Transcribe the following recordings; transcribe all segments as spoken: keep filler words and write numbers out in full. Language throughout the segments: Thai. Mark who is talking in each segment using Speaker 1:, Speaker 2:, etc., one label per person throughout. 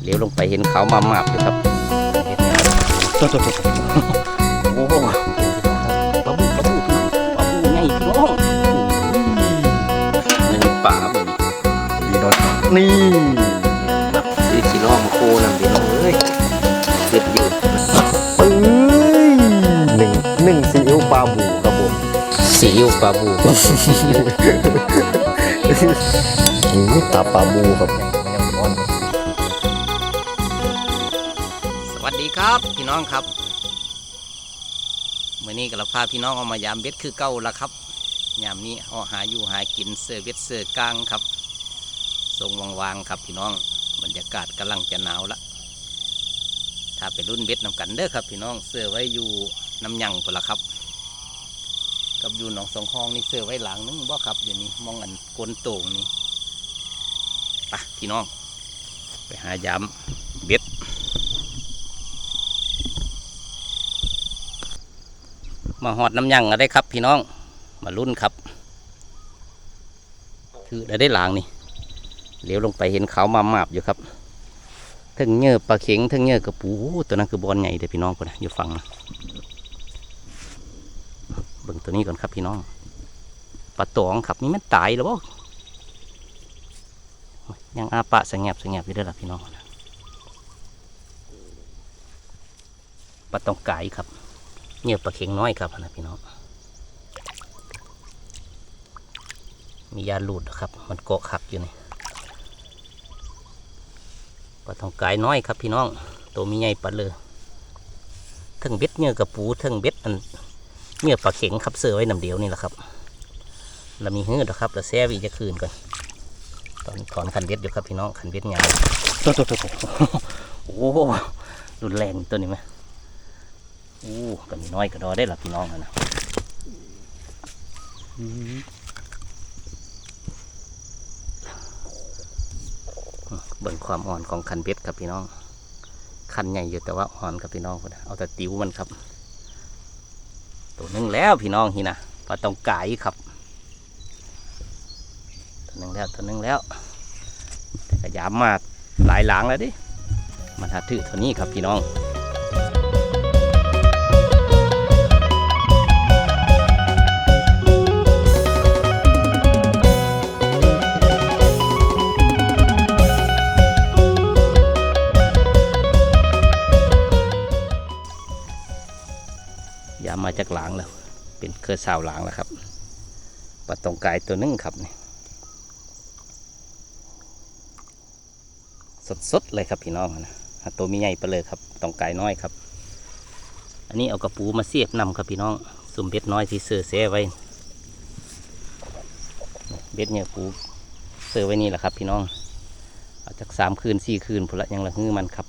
Speaker 1: เลี้ยวลงไปเห็นเขามาหมาบอยู่ครับตัวตัวตัวโอ้โหปลาบูปลาบูปลาบูไงพี่น้องนี่ป่าบึงดีดอนี่ซื้อชิลองโคนำพี่น้องเอ้ยเด็ดอยู่
Speaker 2: เอ้ยหนึ่งหนึ่งซีอิ๊วปลาบูครับผม
Speaker 1: ซีอิ๊วปลาบู
Speaker 2: นี่ตาปลาบูครับ
Speaker 1: สวัสดีครับพี่น้องครับเมื่อนี้ก็เราพาพี่น้องเอามายามเบ็ดคือเก่าละครับยามนี้เอาหาอยู่หากินเสือเบ็ดเสือกลางครับทรงวางๆครับพี่น้องบรรยากาศกำลังจะหนาวละถ้าไปรุ่นเบ็ดนำกันเด้อครับพี่น้องเสือไว้อยู่น้ำยังพอละครับกับอยู่หนองสองห้องนี่เสือไว้หลังนึงบ่ครับอยู่นี่มองอันกลโต่งนี่ไปพี่น้องไปหายามเบ็ดมาหอดน้ำยังอะไรครับพี่น้องมาลุ้นครับคือได้ได้หลางนี่เลี้ยวลงไปเห็นเขามาหมาบอยู่ครับทั้งเนื้อปลาเข็งทั้งเนื้อกระปูตัวนั้นคือบอลใหญ่แต่พี่น้องคนนะอยู่ฝั่งเบิ่งตัวนี้ก่อนครับพี่น้องปลาตองครับนี่มันตายแล้วบ่ยังอาปะสงบสงบอยู่ได้หรอพี่น้องปลาตองไก่ครับเนื้อปลาเข็งน้อยครับนะพี่น้องมียาหลุดครับมันเกาะขักอยู่นี่ปลาตองไก่น้อยครับพี่น้องตัวมีใหญ่ปลาเลยทั้งเบ็ดเนื้อกระปูทั้งเบ็ดอันเนื้อปลาเข็งครับเสือไว้น้ำเดียวนี่แหละครับเรามีหื้อนะครับเราแซ่วีจะคืนก่อนตอนถอนคันเบ็ดอยู่ครับพี่น้องคันเบ็ดใหญ่ตัวตัวตัวโอ้รุนแรงตัวนี้ไหมโอ้ก็มีน้อยก็รอได้หรอพี่น้องนะเบิ่งความอ่อนของคันเบ็ดครับพี่น้องคันใหญ่อยู่แต่ว่าอ่อนครับพี่น้องเอาแต่ติ๋วมันครับตัวนึงแล้วพี่น้องฮีนะปลาตองไก่ครับตัวนึงแล้วตัวนึงแล้วแต่ก็ยามมาหลายหลังแล้วดิมันหาถือเท่านี้ครับพี่น้องยามมาจากหลังแล้วเป็นเครือสาวหลังแล้วครับปลาตองไก่ตัวนึงครับนี่สดๆเลยครับพี่น้องนะตัวมีใหญ่ไปเลยครับตองไก่น้อยครับอันนี้เอากระปูมาเสียบนำครับพี่น้องสุ่มเบ็ดน้อยที่เสือเสียไว้เบ็ดเนี่ยปูเสือไว้นี่แหละครับพี่น้องเอาจากสามคืนสี่คืนพอละยังละฮื้อมันครับ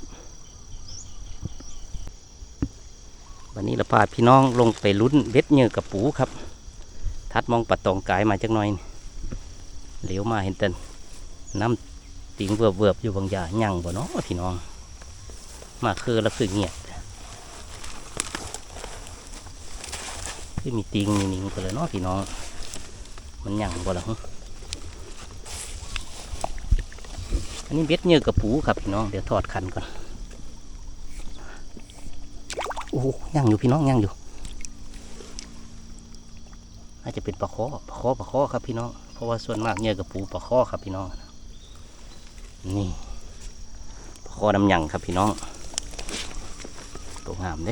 Speaker 1: วันนี้เราพาพี่น้องลงไปลุ้นเบ็ดเนื้อกระปูครับทัดมองปลาตองไก่มาจักหน่อยเหลียวมาเห็นเต็นน้ำติงเวิบเวิบอยู่บางอย่างยั่งบ่เนาะพี่น้องมาคือแล้วคือเงียบคือมีติงมีนิ่งกันเลยเนาะพี่น้องมันยั่งบ่ล่ะอันนี้เบ็ดเนื้อกระปูครับพี่น้องเดี๋ยวทอดคันก่อนโอ้ยั่งอยู่พี่น้องยั่งอยู่อาจจะเป็นปลาข้อปลาข้อปลาข้อครับพี่น้องเพราะว่าส่วนมากเนื้อกระปูปลาข้อครับพี่น้องนี่ปลาข้อน้ำยังครับพี่น้องตัวงามเด้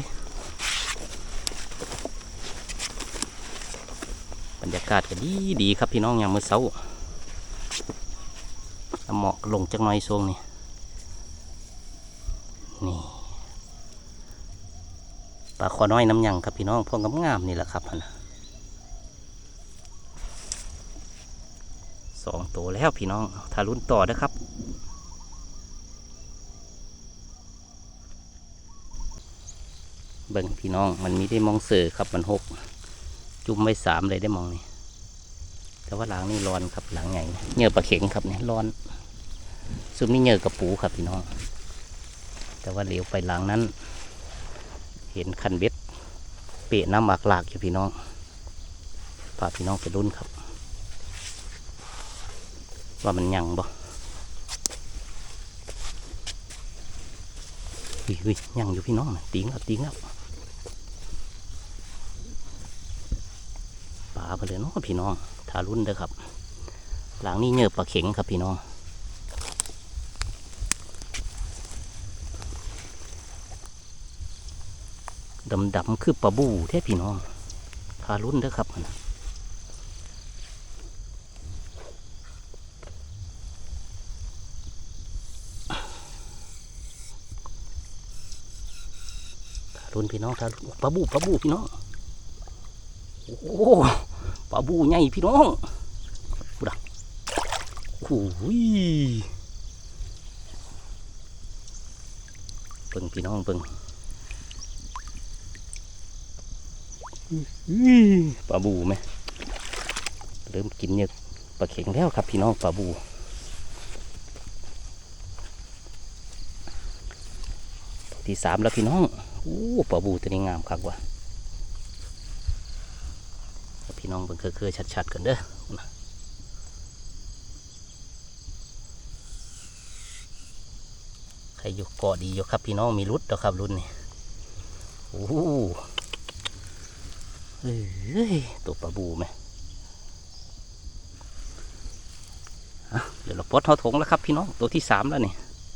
Speaker 1: บรรยากาศก็ดีดีครับพี่น้องยามมื้อเช้าเหมาะลงจักหน่อยทรงนี่นี่ปลาข้อน้อยน้ำยังครับพี่น้องพวกงามๆนี่แหละครับนะสองตัวแล้วพี่น้องถ้าลุ้นต่อนะครับเบิ่งพี่น้องมันมีได้มองเสือครับมันหกจุ่มไว้สามเลยได้มองนี่แต่ว่าหลังนี่ร้อนครับหลังใหญ่เนื้อปลาเข็งครับเนี่ยร้อนซุ่มนี่เนื้อกระปูครับพี่น้องแต่ว่าเหลียวไปหลังนั้นเห็นคันเบ็ดเปะน้ำหมากหลากอยู่พี่น้องพาพี่น้องไปลุ้นครับว่ามันยังบ่เฮ้ยยังอยู่พี่น้องนะตีงแล้วตีงแล้วปลาไปเลยเนาะพี่น้องทารุ่นเด้อครับหลังนี้เนื้อปลาเข็งครับพี่น้องดำๆคือปลาบูแท้พี่น้องทารุ่นเด้อครับรุ่นพี่น้องครับปลาบูปลาบูพี่น้องโอ้ปลาบูใหญ่พี่น้องดูดักโอ้ยเบิ่งพี่น้องเบิ่งปลาบูไหมเริ่มกินเนี่ยปลาเข็งแล้วครับพี่น้องปลาบูที่สามแล้วพี่น้องโอ้ปลาบูตัวนี้งามคักว่ะพี่น้องเบิ่งเคยๆชัดๆกันเด้อใครอยู่เกาะดีอยู่ครับพี่น้องมีรุดแล้วครับรุ่นนี้โอ้เอ้ยตัวปลาบูไหมเดี๋ยวเราปลดเขาถงแล้วครับพี่น้องตัวที่สามแล้วนี่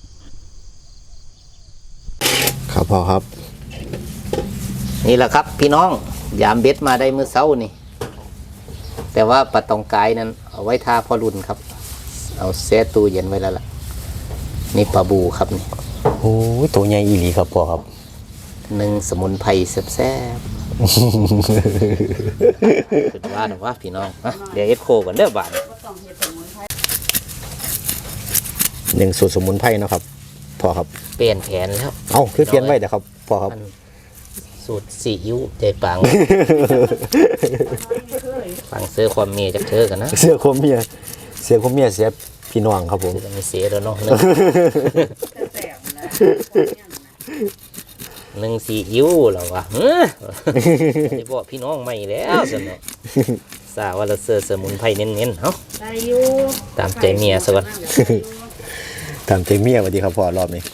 Speaker 2: ครับพ่อครับ
Speaker 1: นี่แหละครับพี่น้องยามเบ็ดมาได้เมื่อเช้านี่แต่ว่าปลาตองกายนั้นเอาไว้ทาพ่อรุ่นครับเอาแช่ตู้เย็นไว้แล้วล่ะนี่ปลาบูครับนี่
Speaker 2: โอ้ยตัวใหญ่อีหลีครับพ่อครับ
Speaker 1: หนึ่งสมุนไพรแซ่บๆคือว่าหนูว่าพี่น้องเดี๋ยวเอ็ดโคก่อนเด้อบาท
Speaker 2: หนึ่งสูตรสมุนไพรนะครับพ่อครับ
Speaker 1: เปลี่ยนแผนแล้ว
Speaker 2: เอ้าคือเปลี่ยนไว้เดี๋ยวครับพ่อครับ
Speaker 1: สูตรสีอิ๊วใจปังปังเสื้อความเมียจากเธอกันนะ
Speaker 2: เสื้อความเมียเสื้อความเมียเสียพี่น้องครับผม
Speaker 1: จะไม่เสียแล้วเนาะหนึ่งสีอิ๊วเหรอวะไอ้บอกพี่น้องใหม่แล้วสนุกสาวว่าเราเสื้อสมุนไพรเน้นๆเนาะตามใจเมียสักวัน
Speaker 2: ตามใจเมียสวัสดีครับพ่อรอบนี้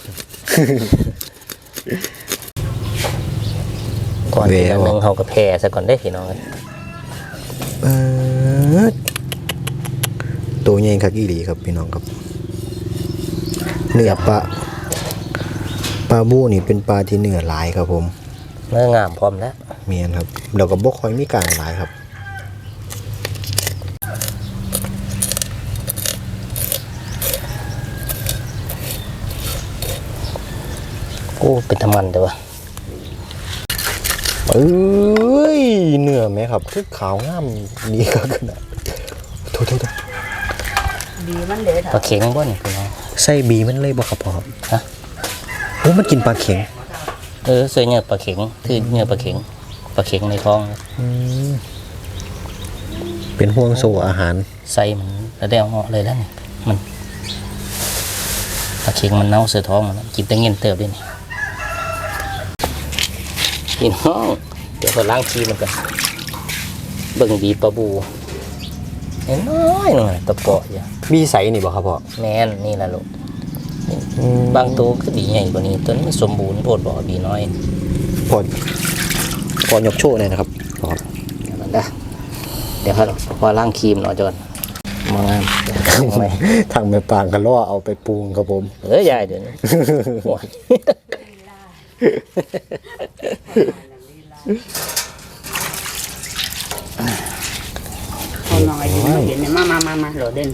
Speaker 1: ก่อนที่เรานึ่งเขากับแพร่ซะก่อนได้พี่น้อง
Speaker 2: ตัวใหญ่คักอีหลีครับพี่น้องครับเนื้อปลาปลาบูนี่เป็นปลาที่เนื้อหลายครับผม
Speaker 1: เนื้องามพร้อมแล้ว
Speaker 2: เมียนครับเราก็บ่ค่อยมีการหลายครับ
Speaker 1: โอ้เป็นธรรมันเด้อวะ
Speaker 2: เอ้ยเนื้อไหมครับคือขาวงามดีครับขนาดโทษโทษ
Speaker 3: บีมันเลย
Speaker 1: ปลาเข็งบ่นี่พี่น้อง
Speaker 2: ใส่บีมันเลยบ่ครับพ่อครับ
Speaker 1: ฮะ
Speaker 2: โอ้มันกินปลาเข็ง
Speaker 1: เออใส่เนื้อปลาเข็งคือเนื้อปลาเข็งปลาเข็งในท้อง
Speaker 2: เป็นห่วงโซ่อาหาร
Speaker 1: ใส่มันแล้วได้เอาเหาะเลยแล้วนี่มันปลาเข็งมันเน่าเสือท้องมันกินแต่เงี้ยเติบด้วยนี่พี่น้องเดี๋ยวเราล้างชีมันกันเบิ่งบีปลาบูน้อยหน่อยตะเปาะอย่า
Speaker 2: มีใสนี่บ่ครับพ่อ
Speaker 1: แม่นนี่แหละลูกบางตัวก็บีใหญ่กว่านี้ตัวนี้สมบูรณ์โพดบ่บีน้อย
Speaker 2: พอพอยกโชว์เลยนะครับพ่อ
Speaker 1: เดี๋ยวมันได้เดี๋ยวครับพอล้างครีมหน่อยจนมองงาม
Speaker 2: ทางแม่ปางกันล่อเอาไปปรุงครับผม
Speaker 1: เอ้ยใหญ่เดี๋ยวนี้
Speaker 3: เอาหน่อยเห็นไหมมามามามาโหลดเด่น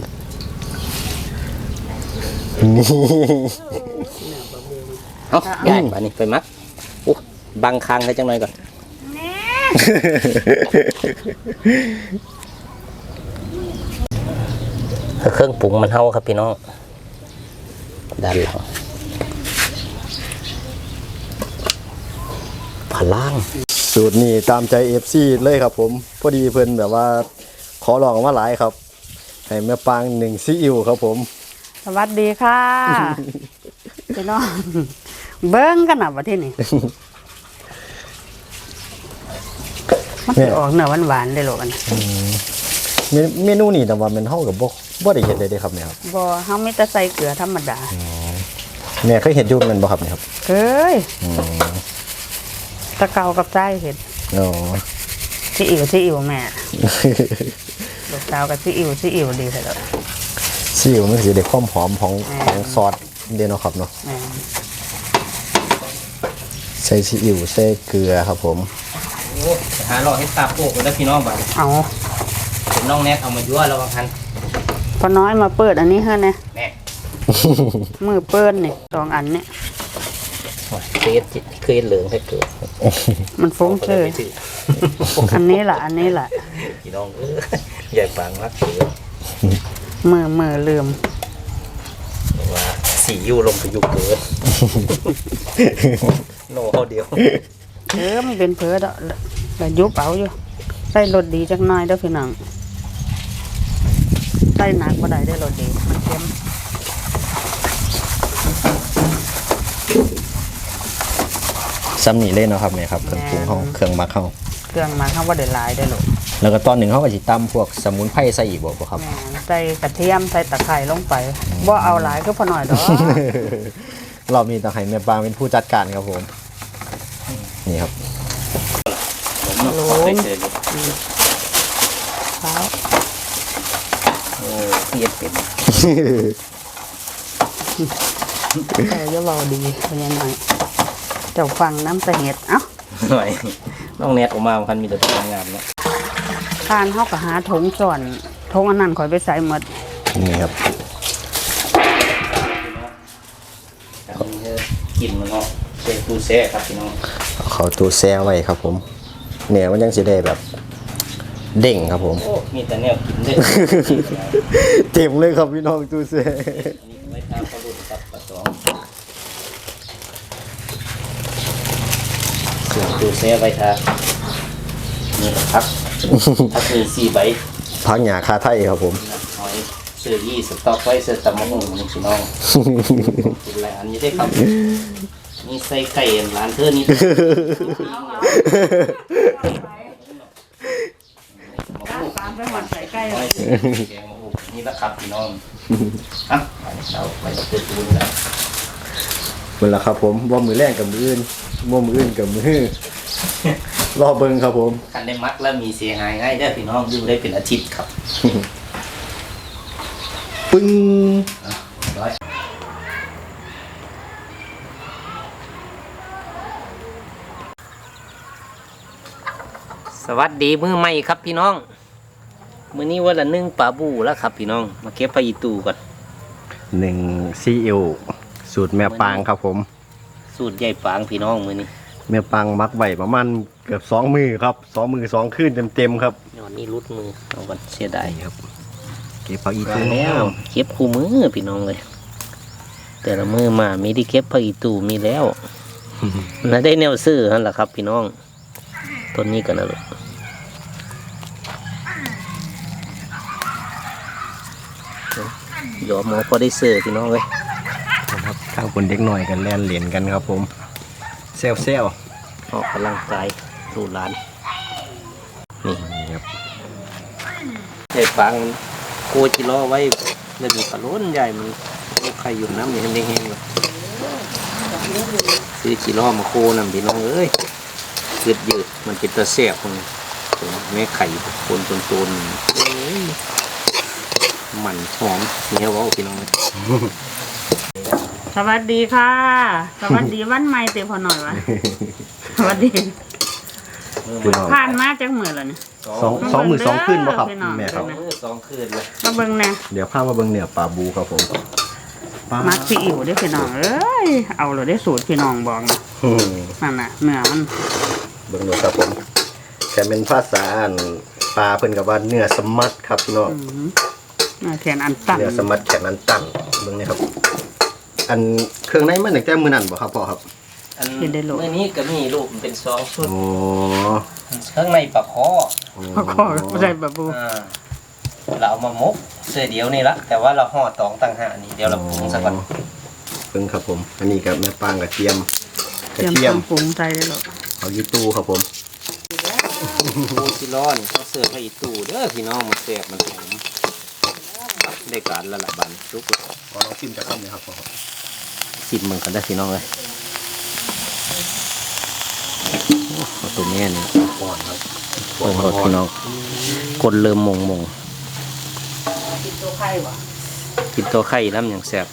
Speaker 1: เอาใหญ่ป่ะนี่ไปมัดอู้บังคังให้จังหน่อยก่อนเครื่องปรุงมันเท่าครับพี่น้องด้านหลังผาล่าง
Speaker 2: สูตรนี้ตามใจ เอฟ ซี เลยครับผมพอดีเพิ่นแบบว่าขอลองมาหลายครับให้แม่ปางหนึ่งซีอิ๊วครับผม
Speaker 3: สวัสดีค่ะพี่น้องเบิ้งกันหน่ะประเทศนี้มันจะออกเนื้อหวานๆได้หรอกัน
Speaker 2: เมนูนี้แต่ว่ามันเท่ากับบ่บ่ได้เห็นเลยเด้ครับเนี่ยครับ
Speaker 3: บ่เฮาไม่แต่ใส่เกลือธรรมดา
Speaker 2: แม่เคยเห็นอยุ่งมันบ่ครับเนี่ยครับ
Speaker 3: เอ้ย
Speaker 2: อืม
Speaker 3: ตะเกากับใจเห็ด
Speaker 2: อ๋อ
Speaker 3: ซีอิ๋วซีอิ๋วแม่ลูกสาวกับซีอิ๋วซีอิ๋วดีเลย
Speaker 2: ซีอิ๊วมันสิได้ความหอมของของซอสเดนเนาะครับเนาะ
Speaker 3: แม่
Speaker 2: ใส่ซีอิ๊วใส่เกลือครับผม
Speaker 1: โอ้หาหลอกให้ตาโปกกันแล้วพี่น้องบ้าง
Speaker 3: เอา
Speaker 1: เป็นน้องแนทเอามายั่วเราบางทัน
Speaker 3: พอน้อยมาเปิดอันนี้ให้นะ
Speaker 1: แน่
Speaker 3: มือเปิ้ลนี่สองอันเนี่ย
Speaker 1: เคสเคสเหลืองให้เกิด
Speaker 3: มันฟุ้งเชยอันนี้แหละอันนี้แหละ
Speaker 1: พี่น้องเออใหญ่ปังมากเกิด
Speaker 3: มือมือลืม
Speaker 1: ว่าสียูลงไปยุเกิดโน่เขาเดียว
Speaker 3: เออมันเป็นเพอดอกแล้วยุบเอาอยู่ใส่รสดีจักหน่อยเด้อพี่น้องใส่หนักบ่ได้ได้รสดีมันเค็ม
Speaker 2: ซ้ำนี่เล่นเนาะครับเนี่ยครับเครื่องปรุงเขาเครื่องหมักเขา
Speaker 3: เครื่องมาเขาบ่ได้หลายได้อลูก
Speaker 2: แล้วก็ตอนหนึ่งเขาก็สิตำพวกสมุนไพรใส่อีกบ่บ่ครับ
Speaker 3: แม่นใส่กระเทียมใส่ตะไคร้ลงไปบ่เอาหลายก็พอหน่อยดอก
Speaker 2: รอบนี้ต้องให้แม่ปางเป็นผู้จัดการครับผม นี่ครับ
Speaker 1: ผมเนาะขอไปเจออยู่
Speaker 3: เท้า
Speaker 1: โอ้เย็ดเป็น
Speaker 3: แต่จะเบาดีเป็นยังไงเจ้าฟังน้ำใส่เห็ดเอ้า
Speaker 1: หน่อยน้องแนทออกมาพันมีแต่ทำงานเนาะ
Speaker 3: ทานเฮาก็หาถุงส่วนถุงอันนั้นข่อยไปใส่หมด
Speaker 2: นี่ครับ
Speaker 1: อันนี้คือกินมันเนาะเซฟูเซ่ครับพี่น้อง
Speaker 2: เอาเขาตัวแซ่ไว้ครับผม เนี่ยมันยังสิได้แบบ เด้งครับผม
Speaker 1: โอ้มีแต่แนวกินด้วย
Speaker 2: เต็มเลยครับพี่น้องตัวแซ่
Speaker 1: อันนี้ไว้ทาปลาดุกกับปลาตองส่วนฟูเซ่ไว้ทานี่ครับพักมีสี่ใบ
Speaker 2: พักหยาคาไทยครับผม
Speaker 1: หอยเสื้อยี่สต๊อกไว้เสื้อตำมะฮุ่งนี่พี่น้องกินอะไรอันนี้ได้ครับนี่ใส่ไก่ร้านเธอนี่
Speaker 3: ตามไปหมดใส่ใกล้
Speaker 1: หอยแกงมะฮุ่งนี่นะครับพี่น้องอ่ะเราไปเปิดดูนะ
Speaker 2: เวลาครับผมว่ามือแรกกับมืออื่นว่ามืออื่นกับมือ รอเบิ่งครับผม
Speaker 1: คันได้มักแล้วมีเสียหายง่ายได้อพี่น้องอยู่ได้เป็นอาทิตย์ครับ
Speaker 2: ปึ้ง
Speaker 1: ร้อยสวัสดีมือใหม่ครับพี่น้องมื้อนี้วันละนึ่งปลาบูแล้วครับพี่น้องมาเก็บปลาอีตูก่อน
Speaker 2: หนึ่งซีอิ๊วสูตรแม่ปางครับผม
Speaker 1: สูตรใหญ่ปางพี่น้องมื้อนี้
Speaker 2: แม่ปางมักไว้ประมาณเกือบสองมือครับสองมือสองคืนเต็มๆครับ
Speaker 1: ย้อนนี้รุดมือเอาก่อนเสียดาย
Speaker 2: นี่ครับเก็บผักอี
Speaker 1: มา
Speaker 2: ตู
Speaker 1: แล้วเก็บคู่มือพี่น้องเลย แต่ละมือมามีที่เก็บปลาอีตูมีแล้วน่าได้แนวซื้อนั่นแหละครับ พี่น้องต้นนี้กันนะลูกยอมหมอพอได้ซื้อพี่น้องเลย
Speaker 2: ครับข้างคนเด็กหน่อยกันแล่นเหรียญกันครับผมเซลเซล
Speaker 1: ออกกำลังกายดูร้านนี่
Speaker 2: นี่ครับ
Speaker 1: ใหญ่ปังโกจิล้อไว้แล้วมีปลาล้นใหญ่มันลูกไข่อยู่น้ำอย่างนี้แห้งๆเลยซื้อจิล้อมาโคน้ำพี่น้องเอ้ยยืดยืดๆมันเป็นตัวแซ่บมันแม่ไข่คนตนตนมันหอมเหนียวเว้าพี่น้องเลย
Speaker 3: สวัสดีค่ะ สวัสดีวันใหม่เต็มพอหน่อยวะ สวัสดี
Speaker 2: พี่น้อง
Speaker 3: ผ่านมาจังมือแล้วเนี่ย
Speaker 2: สองสองมือสองคืนบ่ครับ
Speaker 3: พี่น้อง
Speaker 2: แม่ครับ
Speaker 1: มือสองคืนเลย
Speaker 3: มาเบิ่งแน่
Speaker 2: เดี๋ยวพามาเบิ่งเนื้อปลาบูครับผมปลา
Speaker 3: มักซีอิ๋วได้อพี่น้องเอ้ยเอาเลยได้สูตรพี่น้องบอกนะ
Speaker 2: อืม
Speaker 3: นั่นน่ะเนื้อมัน
Speaker 2: เบิ่งดูครับผมแต่เป็นภาษาอันปลาเพิ่นกับว่าเนื้อสมัดครับพี่น้อง
Speaker 3: อืมเนื้อแขนอันตัน
Speaker 2: เนื้อสมัดแขนนั้นตั้งเบิ่งนี่ครับ อันเครื่องในมันตั้งแต่มื้อนั้นบ่ครับพ่อครับ
Speaker 1: อันเมื่อนี้ก็มีลูกมันเป็นสองชุด
Speaker 2: โอ้
Speaker 1: ข้างในปลาคอ
Speaker 3: เขาขอก็ได้บะบู
Speaker 1: อ่าเราเอามามกเสื้อเดียวนี่ละแต่ว่าเราห่อตองต่างหากนี่เดี๋ยวเราปรุงสักก่อน
Speaker 2: เบิ่งครับผม อันนี้กับแม่ปางกระเทียมก
Speaker 3: เต
Speaker 2: ระ
Speaker 3: รียม
Speaker 2: เทีย
Speaker 3: เครื่
Speaker 2: ม
Speaker 3: องปรุงใจได้หรอก
Speaker 2: เอายูตูครับผม
Speaker 1: ปูซิลอนเขาเสิร์ฟให้อีตู้เด้อพี่น้องมันแซ่บมันหอมได้การละละบันทุก
Speaker 2: ขอลองชิมจากคำนี้ครับพ่อครับ
Speaker 1: ซสิบมึงกันได้พี่น้องเลยเอาตัวแม่นี่
Speaker 2: ก่อนครับ
Speaker 1: เปิดรถพี่น้องกดเริ่มมงมง
Speaker 3: กินตัวไข่วะ
Speaker 1: กินตัวไข่น้ำอย่างแซ่บ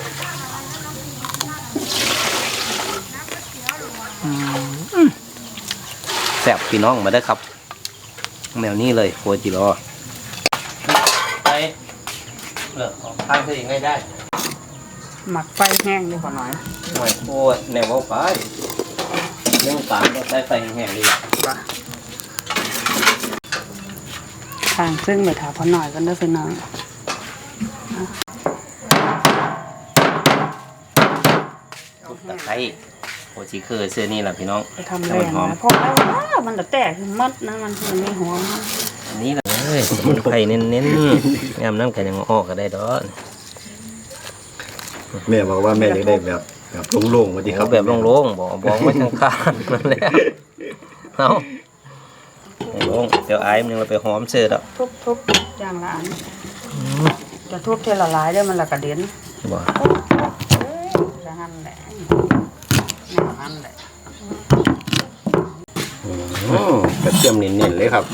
Speaker 1: แซ่บพี่น้องมาได้ครับแมวนี้เลยโคจิโร่ไปเลิกออกทางเธอเองได้ได้
Speaker 3: หมักไฟแห้งเลยพอหน่อย
Speaker 1: หน่อยโคตรแนวเอาไปเรื่องตามก็ใช้ไฟแห้งๆดี
Speaker 3: ว่ะทางซึ่งไปถามพอหน่อยกันเด้อพี่น้อง
Speaker 1: ทุบตะไคร้โคจิคือเสื้อนี่แหละพี่น้อง
Speaker 3: ไปทำแรงนะเพราะว่ามันจะแตกมัดนะมันคือไม่หัวมัน
Speaker 1: อันนี้แหละเอ้ยสมุนไพรเน้นๆงามน้ำกันยังออกก็ได้ดอก
Speaker 2: แม่บอกว่าแม่อยากได้แบบแบบโล่งๆว่าดีค
Speaker 1: เขา
Speaker 2: รับ
Speaker 1: แบบโล่งๆบอกบอกไม่ทางคานนั่นแหละเอาโล่งเดี๋ยวไอ้มันยังไปหอมเสื้อแล้ว
Speaker 3: ทุบทุบอย่างละอันจะทุบเทละลายได้มันละกระเด็น
Speaker 1: บอก
Speaker 3: จะหั่นแหละแนวหั่นแหละ
Speaker 2: อืมกระเทียมเน้นๆเลยครับ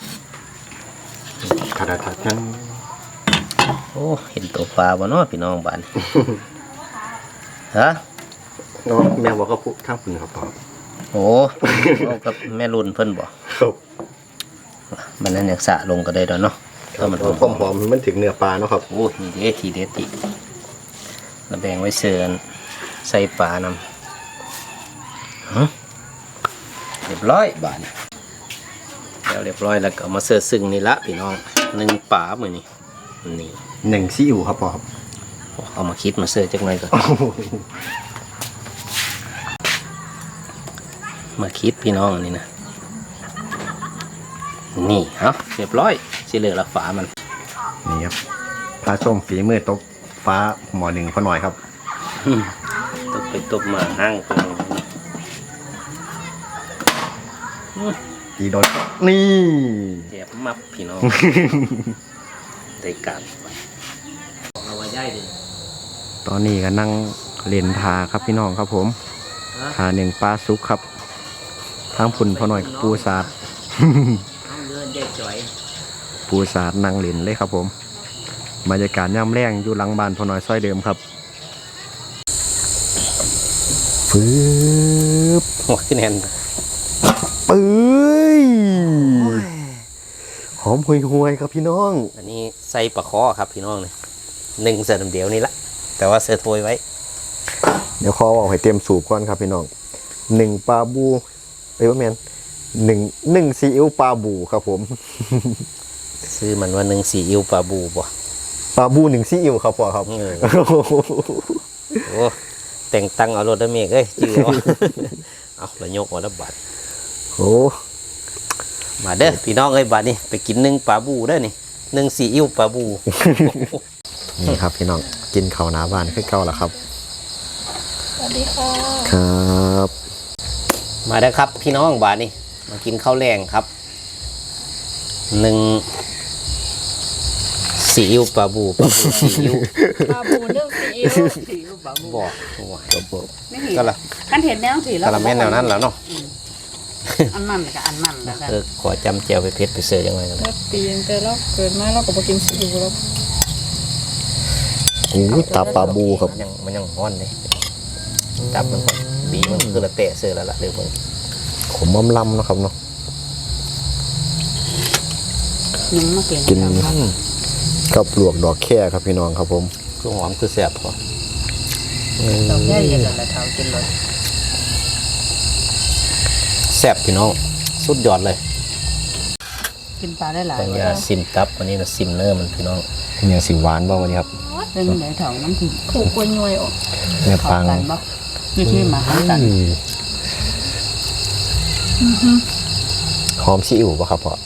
Speaker 2: ขาดทัดทั้ง
Speaker 1: โอ้เห็นตัวปลาบ่เนาะพี่น้องบ้านฮะ
Speaker 2: เนาะแม่บอกเขาพูดข้างคุณครับพ่อ
Speaker 1: โอ้เอากับแม่รุ่นเพิ่นบอก
Speaker 2: ครับ
Speaker 1: มันนั้นอยากสะลงก็ได้ดอกเนาะถ้ามันหอม
Speaker 2: ความหอมมันถึงเนื้อปลาเนาะครับ
Speaker 1: โอ้นี่เด็ดทีเด็ดติระแบงไว้เสือนใส่ปลานำฮะเรียบร้อยบาดนแล้วเรียบร้อยแล้วก็เอามาเสือซึ่งนี่ละพี่น้องหนึ่งปลาเหมือนนี่นี่
Speaker 2: หนึ่งซีอิ๊วครับพ่อครับ
Speaker 1: เอามาคิดมาเสือจักหน่อยก่อนมาคิดพี่น้องอันนี้นะนี่เอ้าเรียบร้อยสิเหลือละฝามัน
Speaker 2: นี่ครับปลาส้มฝีมือตกฟ้าหมอหนึ่งพอหน่อยครับ
Speaker 1: ตกไปตกมาห้างไป
Speaker 2: อีโดนนี่
Speaker 1: แจบมับพี่น้อง ได้การเอาไว้ย่ายดิ
Speaker 2: ตอนนี้ก็นั่งเล่นทาครับพี่น้องครับผมทาหนึ่งปลาซุกครับทั้งพุ่นพอหน่อยกับปูสาด
Speaker 1: เอาเงินเด็กจ่อย
Speaker 2: ปูสาดนั่งเล่นเลยครับผมบรรยากาศย่ำแรงอยู่หลังบ้านพอหน่อยซอยเดิมครับฟืบ
Speaker 1: หัวขึ้นแน่น
Speaker 2: เอ้ยหอมห่วยๆครับพี่น้อง
Speaker 1: อันนี้ใส่ปลาคอครับพี่น้องเลยหนึ่งเสือเดียวนี่ละแต่ว่าเสือโทยไว้
Speaker 2: เดี๋ยวขอเอาให้เต็มสูบก่อนครับพี่น้องหนึ่งปลาบูเอ้ยว่าแมนหนึ่งหนึ่งซีอิ๊วปลาบูครับผม
Speaker 1: ซื้อมันว่าหนึ่งสีอิ้วปลาบูบ่
Speaker 2: ปลาบูหนึ่งซีอิ๊วครับพ่อครับ
Speaker 1: เออโอ้แต่งตังเอารถได้เมกเอ้ยจื้อเอา เอาละยกเอาละบาท
Speaker 2: โอ้
Speaker 1: มาเด้อพี่น้องเอ้ยบาทนี่ไปกินหนึ่งปลาบูเด้อนี่หนึ่งสีอิ้วปลาบู
Speaker 2: นี่ครับพี่น้องกินข้าวหน้าบ้านคือเก่าแล้วครับ
Speaker 3: สวัสดีค่ะ
Speaker 2: ครับ
Speaker 1: มาได้อครับพี่น้องบาทนี่มากินข้าวแรงครับหนึ่งสีอิ้วปลาบูปลาบูสีอิ้ว
Speaker 4: ปลาบูนึ่งซีอิ๊ว
Speaker 3: สีรูปบะบู
Speaker 1: บอกโอ้ย
Speaker 2: ครับผม
Speaker 3: ไม่เห็น
Speaker 1: ก็ละ
Speaker 3: ขั้นเห็นแนวสีแล้ว
Speaker 1: กะละแม่นแนวนั้นแล้วเนาะ
Speaker 3: อันนั่นกับอันนั่นแล้วกัน
Speaker 1: เออขอจำเจียวไปเพชรไปเสือยังไงกัน
Speaker 4: แล้วปีนแต่เราเกิดมาเราก็บ่กินซีอิ๊วแล้ว
Speaker 2: โอ้ตาปลาบูครับ
Speaker 1: มันยังมันยังฮ้อนเลยจับมันก่อนบีมันคือละเตะเสือแล้วล่ะเดี๋ยวมึง
Speaker 2: ขมอมลำเนาะครับเนาะ
Speaker 3: ยังมาเปลี่ยน
Speaker 2: กินกับปลวกดอกแค่ครับพี่น้องครับผม
Speaker 1: คือหอมคือแสบพอ
Speaker 3: ดอกแย่เย็นแล้วเท้ากินเลย
Speaker 1: แสบพี่น้องสุดยอดเลย
Speaker 3: กินปลาได้หลาย
Speaker 1: แต่ยาซิมตับวันนี้นะซิมเนอร์มันพี่น้อง
Speaker 2: อย่างสีหวานบ้างวันนี้ครับ
Speaker 3: เป็นไหนเถาน้ำถึง
Speaker 4: ถูกกล้วยย่อยออก
Speaker 2: เนื้อ
Speaker 3: เขา
Speaker 2: ปัง
Speaker 3: กันบ่นี่ที่มาหากัน
Speaker 2: หอมซีอิ๊วป่ะครับพ่อ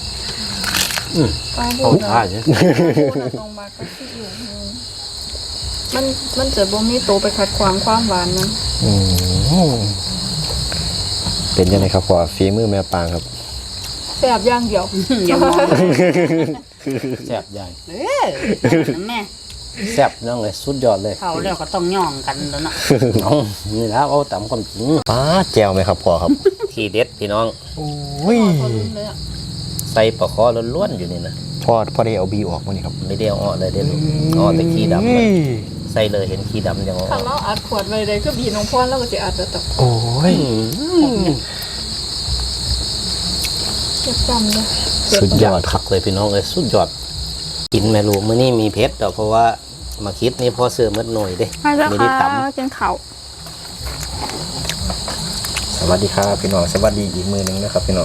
Speaker 4: ปลาบู
Speaker 1: หอม
Speaker 4: นะ
Speaker 1: ท่าใช่
Speaker 4: ปลาบูนะตรงมาก็ซีอิ๊วมันมันจะบ่มีโตวไปขัดขวางความหวานมัน
Speaker 2: อืมเป็นยังไงครับพ่อฝีมือแม่ปางครับ
Speaker 4: แซ่บอย่างเดียว
Speaker 3: อย่ามอง
Speaker 1: แสบใหญ่
Speaker 3: เออนั่นแม่
Speaker 1: แซ่บน้องเลยสุดยอดเลย
Speaker 3: เขาแล้วก็ต้องย่องกันแล้วเนาะ
Speaker 1: เอานี่แล้วเอาตามความจริง
Speaker 2: ป้าแจวไหมครับพ่อครับ
Speaker 1: ทีเด็ดพี่น้อง
Speaker 2: โอ้ย
Speaker 4: พอรุ่นเลยอ่ะ
Speaker 1: ใส่ปลาคอล้วนๆอยู่นี่นะ
Speaker 2: พ่อพ่อได้เอาบีออกมานี่ครับ
Speaker 1: ไม่ได้เอาออกเลยเด็ดลูกเอาแต่ขี้ดำเลยใส่เลยเห็นขี้ดำยังเอาอ
Speaker 4: ถ้า
Speaker 1: อก
Speaker 4: เราอัดขวดไว้เลยก็บีน้องพรแล้วก็สิอัดแล้วแต่
Speaker 2: โอ้ย
Speaker 4: เก็บจำเลย
Speaker 2: สุดยอดค
Speaker 1: คั
Speaker 2: รับ
Speaker 1: กเลยพี่น้องเลยสุดยอดกินแม่ลูกมื้อนี้มีเพชรดอกเพราะว่ามาคิดนี่พอเสือมัดหน่อยเด้
Speaker 4: มาแล้ว
Speaker 1: ไม่ได้
Speaker 4: ค่ะ
Speaker 1: ตำ
Speaker 4: กินข้าว
Speaker 2: สวัสดีครับพี่น้องสวัสดีอีกมือหนึงนะครับพี่น้อง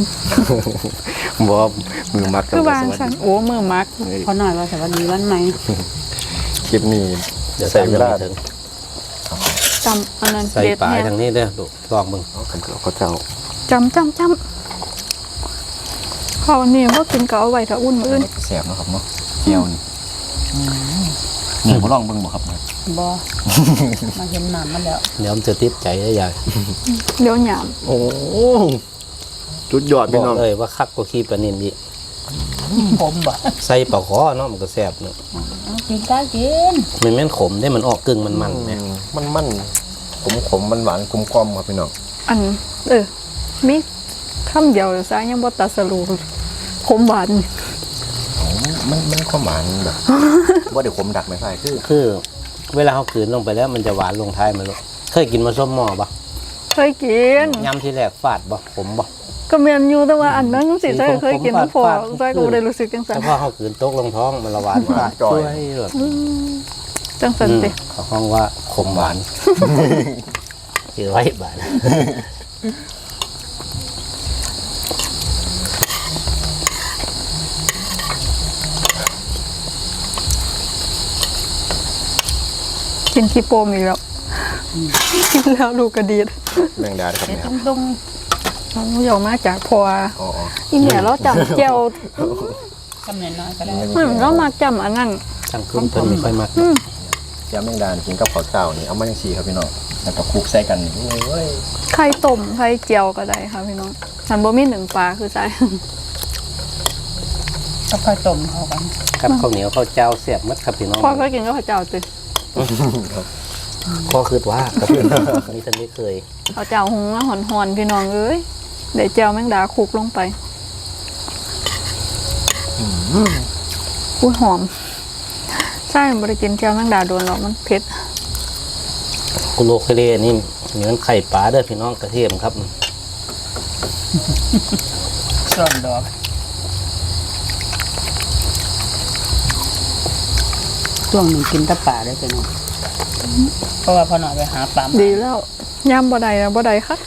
Speaker 2: บอกมือมัก
Speaker 4: คือ
Speaker 2: แต่
Speaker 4: วาง
Speaker 2: สวัส
Speaker 4: ฉัน
Speaker 2: ดี
Speaker 4: โอ้มือมัก
Speaker 3: พอหน่อยว่าสวัสดีวันใหม่
Speaker 2: คลิปนี้
Speaker 1: เดี๋ยว
Speaker 2: ใส่
Speaker 1: ใส่
Speaker 2: เว
Speaker 1: เว
Speaker 2: ลา
Speaker 1: ลาถึง
Speaker 4: จำอันนั้น
Speaker 1: ใส่
Speaker 4: เด็ด
Speaker 1: ปลาย
Speaker 4: เนี่ย
Speaker 1: ทางนี้เด้อลูกลองมึง
Speaker 2: เอากันเถอะเขาเจ้า
Speaker 4: จำจำจำข้าวนี่ว่ากินก็เอาไว้ถ้าอุ่นมื้ออื่น
Speaker 2: แสบเนาะครับเนาะเจียวนี่นี่เขาลองเบิ่งบ่ครับ
Speaker 3: บ่มาเห็นน้ำมันแล้ว
Speaker 1: เดี๋ยวมันจะติดใจได้ใหญ่
Speaker 4: เดี๋ยวหยาม
Speaker 2: โอ้สุดยอด
Speaker 1: บ
Speaker 2: พี่
Speaker 1: อก
Speaker 2: น้อง
Speaker 1: เลยว่าคักกว่าขี้ปลานินอีก
Speaker 3: ผมบ่
Speaker 1: ใส่ปลาคอเนาะมันก็แซ่บเนาะ
Speaker 3: กินได้กิน
Speaker 1: มันแม่นขมได้มันออกกึ่งมันมันๆแม่
Speaker 2: มันมันขมขมมันหวานกลมกลมครับพี่น้อง
Speaker 4: อันเออมีคำเดียวซะยังบ่ตัดสรุปขมหวาน
Speaker 2: มันมันความหวานแบบว่าเดี๋ยวขมดักไม่ใช่คือ
Speaker 1: คือ เวลาเขากลืนลงไปแล้วมันจะหวานลงท้ายมันลูกเคยกินมาส้มหม้อปะ
Speaker 4: เคยกิน
Speaker 1: ยำที่แรกฟาดบ่ขมบ่
Speaker 4: ก็เมียนอยู่แต่ว่าอันนั้นยังสิใช่เคยกินน้ำพอ
Speaker 1: ฟาดฟาด
Speaker 4: ใช่ก็บ่ได้รู้สึกจังซั่
Speaker 1: แต่
Speaker 4: น
Speaker 1: พอเขากลืนตกลงท้องมันละหวานฟาดช่วยแบบ
Speaker 4: จังซั่นติ
Speaker 1: เขาห้องว่าขมหวานคือไว้บาด
Speaker 4: กินขี้โปมอีกแล้วกินแล้วลูกกระดีด
Speaker 2: แมงดาครับ
Speaker 3: เด็ด
Speaker 2: เนี่ยค
Speaker 3: ต
Speaker 2: รับ
Speaker 3: รง
Speaker 4: น้องอยากมาจากพอ
Speaker 2: อ๋อ
Speaker 4: อีเนี่ยเราจำเจียว
Speaker 3: ๆกำเนิดน้อยก็ได้
Speaker 4: มันเรามาจำอันนั้น
Speaker 1: ช่างขึ้นเพิ่นไม่ค่อยมัก
Speaker 2: แก้วแมงดากินกับข้าวเจ้านี่เอามาจังซี่ครับพี่น้องแล้วก็คลุกใส่กันนี่โอ้ย
Speaker 4: ไข่ต้มไข่เจียวก็ได้ค่ะพี่น้องฉันบ่มีหนึ่งปลาคือใจ
Speaker 3: ก็ค่อยต้มเข้ากัน
Speaker 1: กับข้าวเหนียวข้าวเจ้าเสียบมัดครับพี่น้อง
Speaker 4: พ่อเคยกินก็ข้าวเจ้าติ
Speaker 1: ข้อคือว่าครับนี่ท่านไม่เคย
Speaker 4: ข้าวเจ้าหุงแล้วหอนๆพี่น้องเอ้ยเดี๋ยวเจียวแมงดาคลุกลงไปอุ้ยหอม ใช่บ่ได้กินเจียวแมงดาโดนหรอกมันเผ็ด
Speaker 1: กุโลเคเลนี่เหมือนไข่ปลาเด้อพี่น้องกระเทียมครับ
Speaker 3: ส่วนดอกช่วงหนึ่งกินแตะป่าได้เป็นองเพราะว่าพอหน่อยไปหาปลามา
Speaker 4: ดีแล้วย่ำบ่ได้แล้วบ่ได้ค่ะ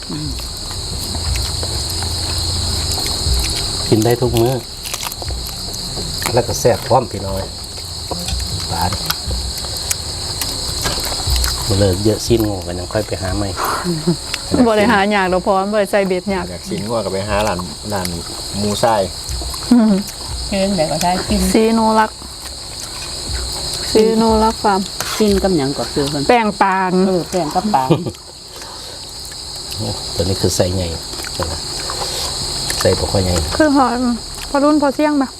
Speaker 1: กินได้ทุกมื้อแล้วก็แซ่บพร้อมพี่น้อยปลามาเลยเยอะชิ้นงงกันยังค่อยไปหาใหม่
Speaker 4: บ่ได้หาหยากดอกพอบ่ได้ใส่เบ็ดหยาก
Speaker 2: อยากสินว่าก็ไปหาร้านร้านหมูไส้
Speaker 3: เชิญแต่ก็ใช้กิน
Speaker 4: ซีโนรักซีโนรักฟาร์ม
Speaker 3: กินกับหยังก็คือเพิ่น
Speaker 4: แป้งปาน
Speaker 3: เออแป้งกับปลา
Speaker 1: โอ้ตัวนี้คือใส่ใหญ่ใส่ปลาคอใหญ่
Speaker 4: คือหอมพอรุ่นพอเสี่ยงมา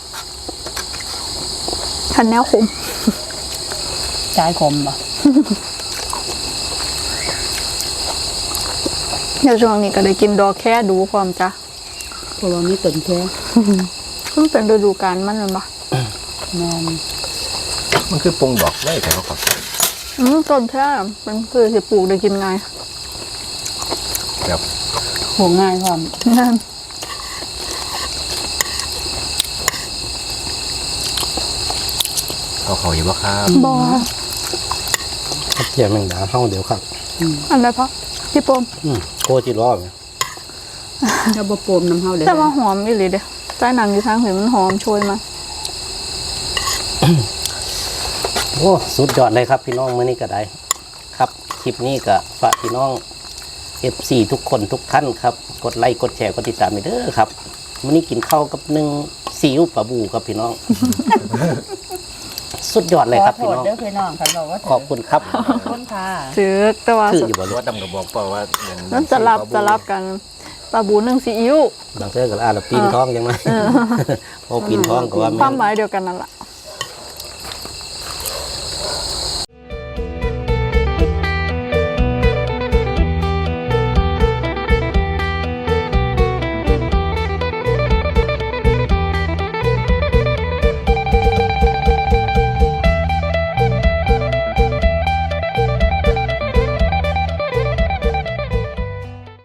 Speaker 4: ทันแนวขม
Speaker 3: ใช้คมบ่
Speaker 4: เดี๋ยวช่วงนี้ก็ได้กินดอกแค่ดูพร้อมจ้ะ
Speaker 3: เพราะว่ามีต้นแค่
Speaker 4: เพิ่งเป็นฤดูกาลมันแมันปะ
Speaker 3: นอน
Speaker 2: มันคือปรุงดอกไว้แต่เขาครับ
Speaker 4: อืมต้นแค่มันคือสิปลูกได้กินไงาย
Speaker 2: แบบ
Speaker 3: หัวง่ายพร้อม
Speaker 4: นั่น
Speaker 2: เขาเขาอยู่ว่าครับ
Speaker 4: บอ
Speaker 1: เทียมแมงดาเฮาเดี๋ยวครับ
Speaker 4: อันไหนพะพี่ปม
Speaker 1: อืมโคจิรอเนี่ย
Speaker 3: ถ้าบ่โปมน้ำเฮาเด้
Speaker 4: แต่ว่าหอมอีหลีเด้ใต้หนังอยู่ทางเห็นมันหอมโชยมา
Speaker 1: โอ้สุดยอดเลยครับพี่น้องมื้อนี้ก็ได้ ครับคลิปนี้ก็ฝากพี่น้อง เอฟ ซี ทุกคนทุกท่านครับ กดไลค์กดแชร์กดติดตามไปเด้อครับมื้อนี้กินข้าวกับหนึ่งซีอิ๊วปลาบูครับพี่น้อง สุดยอดเลยครับ
Speaker 3: ขอ
Speaker 1: พี่
Speaker 3: โทษ
Speaker 1: น้อง
Speaker 3: เด้อพี่น้องคันบอกว่า
Speaker 1: ขอบคุณครับ
Speaker 3: ขอบคุณค่ะ
Speaker 4: ถือแต่ว่า
Speaker 1: ชื่ออยู่บ่
Speaker 2: เพ
Speaker 1: รู้
Speaker 2: ราะว่าดำกับบอกเปล่าว่าอย่าง
Speaker 4: นั่นจะรับจะรับกันปลาบูนึ่งซีอิ๊ว
Speaker 1: บางเทื่อก็อ่านแล้วปีนท้องยังไงพอปีนท้องก็ว่า
Speaker 4: ค
Speaker 1: แม่
Speaker 4: วาม
Speaker 1: น
Speaker 4: หมายเดียวกันนั่นแหละ